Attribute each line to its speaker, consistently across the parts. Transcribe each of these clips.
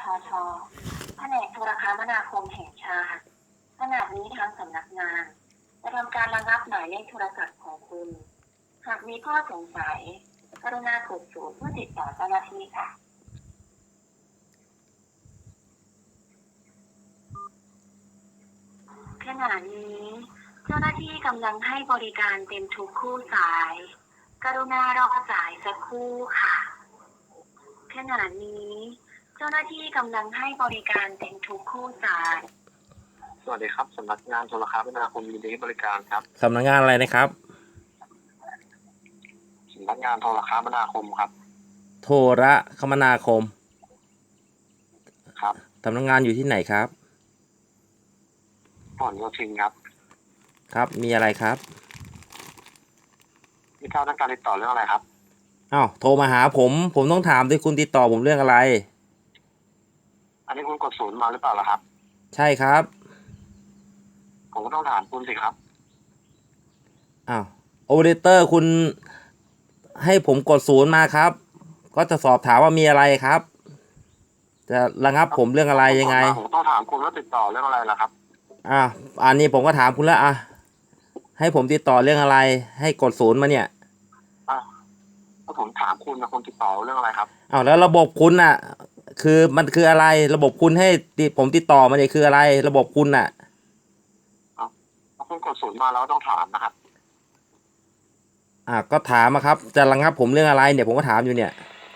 Speaker 1: ทแผนกโทรคมนาคมแห่งชาติขณะนี้ทางสำนักงานจะทำการระงับหมายเลขโทรศัพท์ของคุณหากมีข้อสงสัยกรุณากดศูนย์เพื่อติดต่อเจ้าหน้าที่ค่ะขณะนี้เจ้าหน้าที่กำลังให้บริการเต็มทุกคู่สายกรุณารอสายสักครู่ค่ะขณะนี้เจ้าหน้าที่กำลังให้บริการเต็มทุกคู่สาย
Speaker 2: สวัสดีครับสำนักงานโทรคมนาคมยินดีให้บริการครับ
Speaker 3: สำนักงานอะไรนะครับ
Speaker 2: สำนักงานโทรคมนาคมครับ
Speaker 3: โทรคมนาคม
Speaker 2: ครับ
Speaker 3: สำนักงานอยู่ที่ไหนครับ
Speaker 2: ผลโยธินครับ
Speaker 3: ครับมีอะไรครับ
Speaker 2: ที่เข้าต้องการติดต่อเรื่องอะไรครับ
Speaker 3: อ้าวโทรมาหาผมต้องถามด้วยคุณติดต่อผมเรื่องอะไร
Speaker 2: อันนี้คุณกดศูนย์มาหรือเปล่าล่ะครับ
Speaker 3: ใช่ครับ
Speaker 2: ผมก็ต้องถามคุณสิครับ
Speaker 3: อ้าวโอเปอเรเตอร์คุณให้ผมกดศูนย์มาครับก็จะสอบถามว่ามีอะไรครับจะระงับผมเรื่องอะไรยังไง
Speaker 2: ผมต้องถามคุณว่าติดต่อเรื่องอะไรล่ะครับ
Speaker 3: อันนี้ผมก็ถามคุณแล้วให้ผมติดต่อเรื่องอะไรให้กดศูนย์มาเนี่ย
Speaker 2: ถ้าผมถามคุณนะคุณติดต่อเรื่องอะไรครับ
Speaker 3: แล้วระบบคุณน่ะคือมันคืออะไรระบบคุณให้ผมติดต่อมาเนี่ยคืออะไรระบบคุณน่ะ
Speaker 2: ถ้าคุณกดศูนย์มาแล้วต้องถามนะครับ
Speaker 3: ก็ถามครับจะระงับผมเรื่องอะไรเนี่ยผมก็ถามอยู่เนี่ย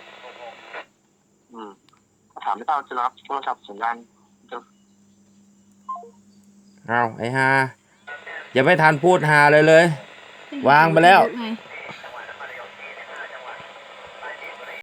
Speaker 2: ถามไม่ได้จะรับโทรศัพท์สัญญาณ
Speaker 3: ไอ้ฮาอย่าไม่ทันพูดฮาเลยวางไปแล้ว